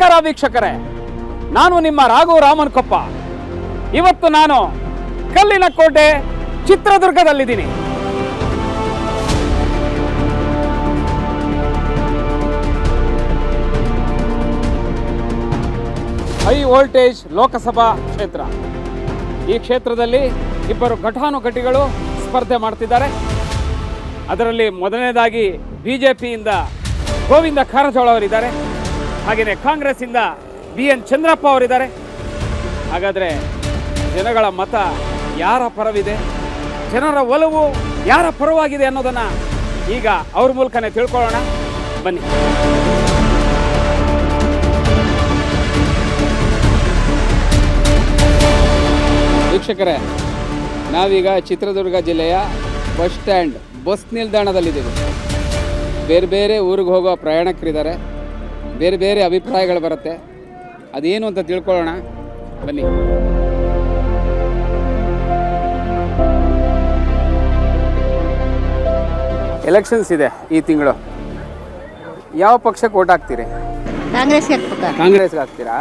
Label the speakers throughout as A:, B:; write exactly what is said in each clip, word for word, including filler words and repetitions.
A: ನಮಸ್ಕಾರ ವೀಕ್ಷಕರೇ, ನಾನು ನಿಮ್ಮ ರಾಘು ರಾಮನ್ಕೊಪ್ಪ. ಇವತ್ತು ನಾನು ಕಲ್ಲಿನ ಕೋಟೆ ಚಿತ್ರದುರ್ಗದಲ್ಲಿದ್ದೀನಿ. ಹೈ ವೋಲ್ಟೇಜ್ ಲೋಕಸಭಾ ಕ್ಷೇತ್ರ. ಈ ಕ್ಷೇತ್ರದಲ್ಲಿ ಇಬ್ಬರು ಘಟಾನುಘಟಿಗಳು ಸ್ಪರ್ಧೆ ಮಾಡ್ತಿದ್ದಾರೆ. ಅದರಲ್ಲಿ ಮೊದಲನೇದಾಗಿ ಬಿಜೆಪಿಯಿಂದ ಗೋವಿಂದ ಕಾರಜೋಳ ಅವರಿದ್ದಾರೆ, ಹಾಗೆಯೇ ಕಾಂಗ್ರೆಸ್ಸಿಂದ ಬಿ ಎನ್ ಚಂದ್ರಪ್ಪ ಅವರಿದ್ದಾರೆ. ಹಾಗಾದರೆ ಜನಗಳ ಮತ ಯಾರ ಪರವಿದೆ, ಜನರ ಒಲವು ಯಾರ ಪರವಾಗಿದೆ ಅನ್ನೋದನ್ನು ಈಗ ಅವ್ರ ಮೂಲಕನೇ ತಿಳ್ಕೊಳ್ಳೋಣ ಬನ್ನಿ. ವೀಕ್ಷಕರೇ, ನಾವೀಗ ಚಿತ್ರದುರ್ಗ ಜಿಲ್ಲೆಯ ಬಸ್ ಸ್ಟ್ಯಾಂಡ್ ಬಸ್ ನಿಲ್ದಾಣದಲ್ಲಿದ್ದೀವಿ. ಬೇರೆ ಬೇರೆ ಊರಿಗೆ ಹೋಗೋ ಪ್ರಯಾಣಿಕರಿದ್ದಾರೆ, ಬೇರೆ ಬೇರೆ ಅಭಿಪ್ರಾಯಗಳು ಬರುತ್ತೆ. ಅದೇನು ಅಂತ ತಿಳ್ಕೊಳ್ಳೋಣ ಬನ್ನಿ. ಎಲೆಕ್ಷನ್ಸ್ ಇದೆ ಈ ತಿಂಗಳು. ಯಾವ ಪಕ್ಷಕ್ಕೆ ಓಟ್ ಹಾಕ್ತೀರಿ?
B: ಕಾಂಗ್ರೆಸ್ಗೆ ಹಾಕ್ಬೇಕಾ?
A: ಕಾಂಗ್ರೆಸ್ಗೆ ಹಾಕ್ತೀರಾ?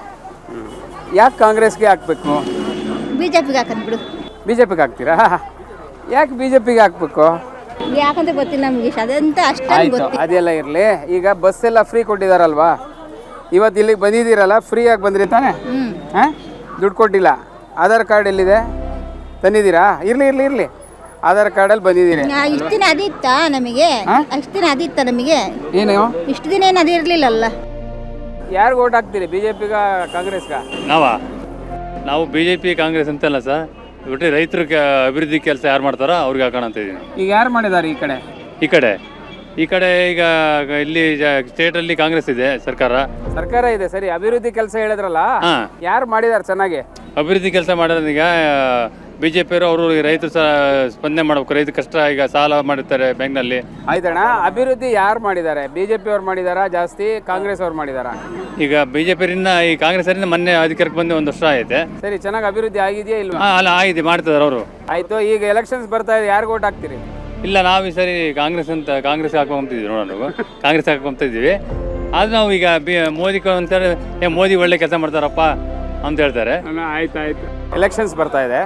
A: ಯಾಕೆ ಕಾಂಗ್ರೆಸ್ಗೆ ಹಾಕಬೇಕು?
B: ಬಿ ಜೆ ಪಿಗೆ ಹಾಕೋದು ಬಿಡು.
A: ಬಿ ಜೆ ಪಿಗೆ ಹಾಕ್ತೀರಾ? ಯಾಕೆ ಬಿ ಜೆ ಪಿಗೆ ಹಾಕಬೇಕು?
B: ಯಾಕಂತ ಗೊತ್ತಿಲ್ಲ ನಮಗೆ, ಅದಂತ ಅಷ್ಟೇ
A: ಆಯಿತು,
B: ಗೊತ್ತಿಲ್ಲ.
A: ಅದೆಲ್ಲ ಇರಲಿ. ಈಗ ಬಸ್ ಎಲ್ಲ ಫ್ರೀ ಕೊಟ್ಟಿದ್ದಾರಲ್ವಾ, ಇವತ್ತು ಇಲ್ಲಿಗೆ ಬಂದಿದ್ದೀರಲ್ಲ, ಫ್ರೀಯಾಗಿ ಬಂದ್ರಿ ತಾನೆ?
B: ಹ್ಮ್.
A: ಹಾಂ, ದುಡ್ಡು ಕೊಟ್ಟಿಲ್ಲ. ಆಧಾರ್ ಕಾರ್ಡ್ ಎಲ್ಲಿದೆ? ತಂದಿದ್ದೀರಾ? ಇರಲಿ ಇರಲಿ ಇರಲಿ, ಆಧಾರ್ ಕಾರ್ಡಲ್ಲಿ ಬಂದಿದ್ದೀರಿ.
B: ಇಷ್ಟು ದಿನ ಅದಿತ್ತ ನಮಗೆ? ಅಷ್ಟು ದಿನ ಅದಿತ್ತ ನಮಗೆ?
A: ಏನು
B: ಇಷ್ಟು ದಿನ ಏನು ಅದಿರಲಿಲ್ಲಲ್ಲ.
A: ಯಾರಿಗೆ ಓಟ್ ಹಾಕ್ತೀರಿ, ಬಿ ಜೆ ಪಿಗ ಕಾಂಗ್ರೆಸ್ಗ?
C: ನಾವಾ ನಾವು ಬಿ ಜೆ ಪಿ ಕಾಂಗ್ರೆಸ್ ಅಂತಲ್ಲ ಸರ್, ಒಟ್ಟು ರೈತರ ಅಭಿವೃದ್ಧಿ ಕೆಲಸ ಯಾರು ಮಾಡ್ತಾರೋ ಅವ್ರಿಗೆ ಹಾಕೋಣ ಅಂತ ಇದ್ದೀನಿ.
A: ಈಗ ಯಾರು ಮಾಡಿದ್ದಾರೆ ಈ ಕಡೆ?
C: ಈ ಕಡೆ ಈ ಕಡೆ ಈಗ ಇಲ್ಲಿ ಸ್ಟೇಟಲ್ಲಿ ಕಾಂಗ್ರೆಸ್ ಇದೆ ಸರ್ಕಾರ.
A: ಸರ್ಕಾರ ಇದೆ ಸರಿ, ಅಭಿವೃದ್ಧಿ ಕೆಲಸ ಹೇಳಿದ್ರಲ್ಲ,
C: ಹಾಂ,
A: ಯಾರು ಮಾಡಿದ್ದಾರೆ ಚೆನ್ನಾಗಿ
C: ಅಭಿವೃದ್ಧಿ ಕೆಲಸ ಮಾಡೋದು? ಈಗ ಬಿ ಜೆ ಪಿಯವರು ಅವರು ರೈತರು ಸಹ ಸ್ಪಂದನೆ ಮಾಡಬೇಕು. ರೈತ ಕಷ್ಟ, ಈಗ ಸಾಲ ಮಾಡಿರ್ತಾರೆ ಬ್ಯಾಂಕ್ನಲ್ಲಿ.
A: ಆಯ್ತಣ್ಣ, ಅಭಿವೃದ್ಧಿ ಯಾರು ಮಾಡಿದ್ದಾರೆ? ಬಿ ಜೆ ಪಿ ಅವ್ರು ಮಾಡಿದಾರಾ ಜಾಸ್ತಿ, ಕಾಂಗ್ರೆಸ್ ಅವ್ರು ಮಾಡಿದಾರಾ?
C: ಈಗ ಬಿ ಜೆ ಪಿಯಿಂದ ಈ ಕಾಂಗ್ರೆಸ್ಸರಿಂದ ಮೊನ್ನೆ ಅಧಿಕಾರಕ್ಕೆ ಬಂದು ಒಂದು ವರ್ಷ ಆಯ್ತೆ.
A: ಸರಿ, ಚೆನ್ನಾಗಿ ಅಭಿವೃದ್ಧಿ ಆಗಿದೆಯಾ ಇಲ್ವಾ?
C: ಹಾಂ, ಅಲ್ಲ ಆಗಿದೆ, ಮಾಡ್ತಿದ್ದಾರೆ ಅವರು.
A: ಆಯ್ತು, ಈಗ ಎಲೆಕ್ಷನ್ಸ್ ಬರ್ತಾ ಇದೆ, ಯಾರಿಗೆ ಓಟ್ ಹಾಕ್ತೀರಿ?
C: ಇಲ್ಲ, ನಾವು ಈ ಸರಿ ಕಾಂಗ್ರೆಸ್ ಅಂತ ಕಾಂಗ್ರೆಸ್ ಹಾಕೊಂತಿದ್ವಿ ನೋಡೋಣ, ನಾವು ಕಾಂಗ್ರೆಸ್ ಹಾಕೊಂತ ಇದ್ದೀವಿ. ಆದ್ರೆ ನಾವು ಈಗ ಬಿ ಮೋದಿ ಅಂತಾರೆ, ಏ ಮೋದಿ ಒಳ್ಳೆ ಕೆಲಸ ಮಾಡ್ತಾರಪ್ಪ ಅಂತ ಹೇಳ್ತಾರೆ.
A: ಆಯ್ತು ಆಯ್ತು, ಎಲೆಕ್ಷನ್ಸ್ ಬರ್ತಾ ಇದೆ,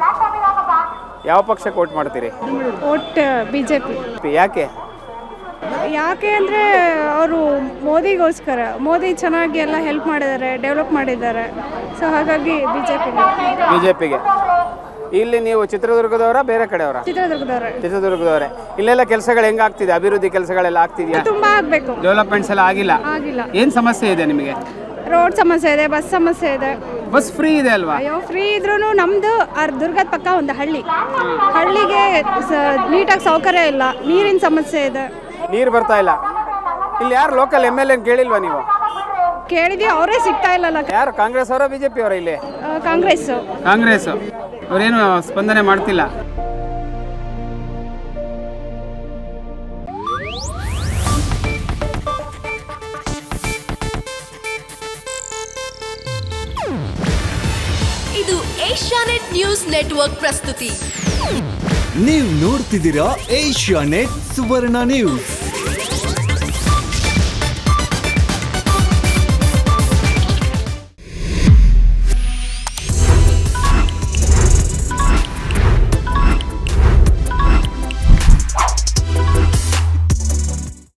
A: ಯಾವ ಪಕ್ಷಕ್ಕೆ ವೋಟ್ ಮಾಡ್ತೀರಿ?
D: Vote B J P.
A: ಯಾಕೆ?
D: ಯಾಕೆ ಅಂದರೆ ಅವರು ಮೋದಿಗೋಸ್ಕರ. ಮೋದಿ ಚೆನ್ನಾಗಿ ಎಲ್ಲ ಹೆಲ್ಪ್ ಮಾಡಿದ್ದಾರೆ, ಡೆವಲಪ್ ಮಾಡಿದ್ದಾರೆ. ಸೊ ಹಾಗಾಗಿ ಬಿ ಜೆ ಪಿ.
A: ಬಿ ಜೆ ಪಿಗೆ. ಇಲ್ಲಿ ನೀವು ಚಿತ್ರದುರ್ಗದವರ ಬೇರೆ ಕಡೆಯವರ?
D: ಚಿತ್ರದುರ್ಗದವ್ರೆ.
A: ಚಿತ್ರದುರ್ಗದವರೇ. ಇಲ್ಲೆಲ್ಲ ಕೆಲಸಗಳು ಹೆಂಗೆ ಆಗ್ತಿದೆ? ಅಭಿವೃದ್ಧಿ ಕೆಲಸಗಳೆಲ್ಲ ಆಗ್ತಿದೆಯಾ?
D: ತುಂಬ ಆಗಬೇಕು.
A: ಡೆವಲಪ್ಮೆಂಟ್ಸ್ ಎಲ್ಲ ಆಗಿಲ್ಲ?
D: ಆಗಿಲ್ಲ.
A: ಏನು ಸಮಸ್ಯೆ ಇದೆ ನಿಮಗೆ?
D: ರೋಡ್ ಸಮಸ್ಯೆ ಇದೆ, ಬಸ್ ಸಮಸ್ಯೆ ಇದೆ.
A: ಬಸ್ ಫ್ರೀ ಇದೆ ಅಲ್ವಾ?
D: ಅಯ್ಯೋ, ಫ್ರೀ ಇದ್ರೂ ನಮ್ಮದು ದುರ್ಗದ ಪಕ್ಕ ಒಂದು ಹಳ್ಳಿ, ಹಳ್ಳಿಗೆ ನೀಟಾಗಿ ಸೌಕರ್ಯ ಇಲ್ಲ, ನೀರಿನ ಸಮಸ್ಯೆ ಇದೆ.
A: ನೀರು ಬರ್ತಾ ಇಲ್ಲ. ಇಲ್ಲಿ ಯಾರು ಲೋಕಲ್ ಎಮ್ ಎಲ್ ಎನ್ ಕೇಳಿಲ್ವಾ ನೀವು?
D: ಕೇಳಿದ್ವಿ, ಅವರೇ ಸಿಗ್ತಾ ಇಲ್ಲಲ್ಲ.
A: ಯಾರು, ಕಾಂಗ್ರೆಸ್ ಅವರ ಬಿ ಜೆ ಪಿ ಅವರ? ಇಲ್ಲಿ
D: ಕಾಂಗ್ರೆಸ್.
A: ಕಾಂಗ್ರೆಸ್ ಅವರೇನು ಸ್ಪಂದನೆ ಮಾಡ್ತಿಲ್ಲ.
E: ಇದು ಏಷ್ಯಾನೆಟ್ ನ್ಯೂಸ್ ನೆಟ್ವರ್ಕ್ ಪ್ರಸ್ತುತಿ.
F: ನೀವು ನೋಡ್ತಿದ್ದೀರಾ ಏಷ್ಯಾನೆಟ್ ಸುವರ್ಣ ನ್ಯೂಸ್.